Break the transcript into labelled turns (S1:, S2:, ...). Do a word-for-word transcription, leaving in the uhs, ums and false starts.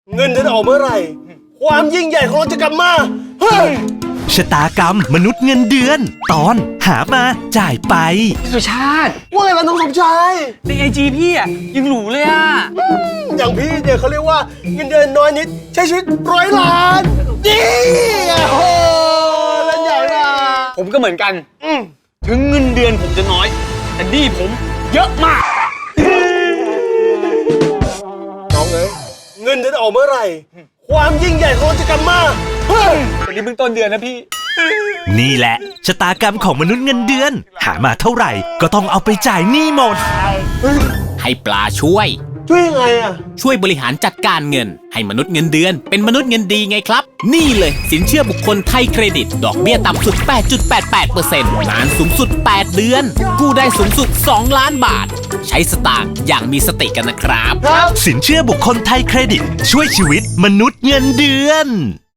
S1: เงินเดือนออกเมื่อไหร่ความยิ่งใหญ่ของเราจะกลับมาเฮ้ย
S2: ชะตากรรมมนุษย์เงินเดือน ตอนหามาจ่ายไป
S3: สุชาติ
S1: ว่าไงล่ะน้องสมชาย
S3: ในไอจีพี่อ่ะยังหรูเลยอ่ะ
S1: อย่างพี่เนี่ยเขาเรียกว่าเงินเดือนน้อยนิดใช้ชีวิตร้อยล้านนี่โอ้โหเล่นใหญ่นะ
S3: ผมก็เหมือนกัน
S1: อืม
S3: ถึงเงินเดือนผมจะน้อย แต่ดีผมเยอะมาก
S1: น้องเอ้ยเงินเดือนออกเมื่อไหร่ความยิ่งใหญ่ของเราจะกลับมาเฮ้ย
S3: วันนี้เพิ่งต้นเดือนนะพี่
S2: นี่แหละชะตากรรมของมนุษย์เงินเดือน หามาเท่าไหร่ก็ต้องเอาไปจ่ายหนี้หมด
S4: ให้ปลาช่วย
S1: ช่วยยังไงอะ
S4: ช่วยบริหารจัดการเงิน ให้มนุษย์เงินเดือนเป็นมนุษย์เงินดีไงครับ นี่เลยสินเชื่อบุคคลไทยเครดิต ดอกเบี้ยต่ำสุด แปดจุดแปดแปดเปอร์เซ็นต์ นานสูงสุด แปด เดือน กู้ได้สูงสุด สอง ล้านบาท ใช้สตางค์อย่างมีสติกันนะครับ
S1: ครับ
S2: สินเชื่อบุคคลไทยเครดิต ช่วยชีวิตมนุษย์เงินเดือน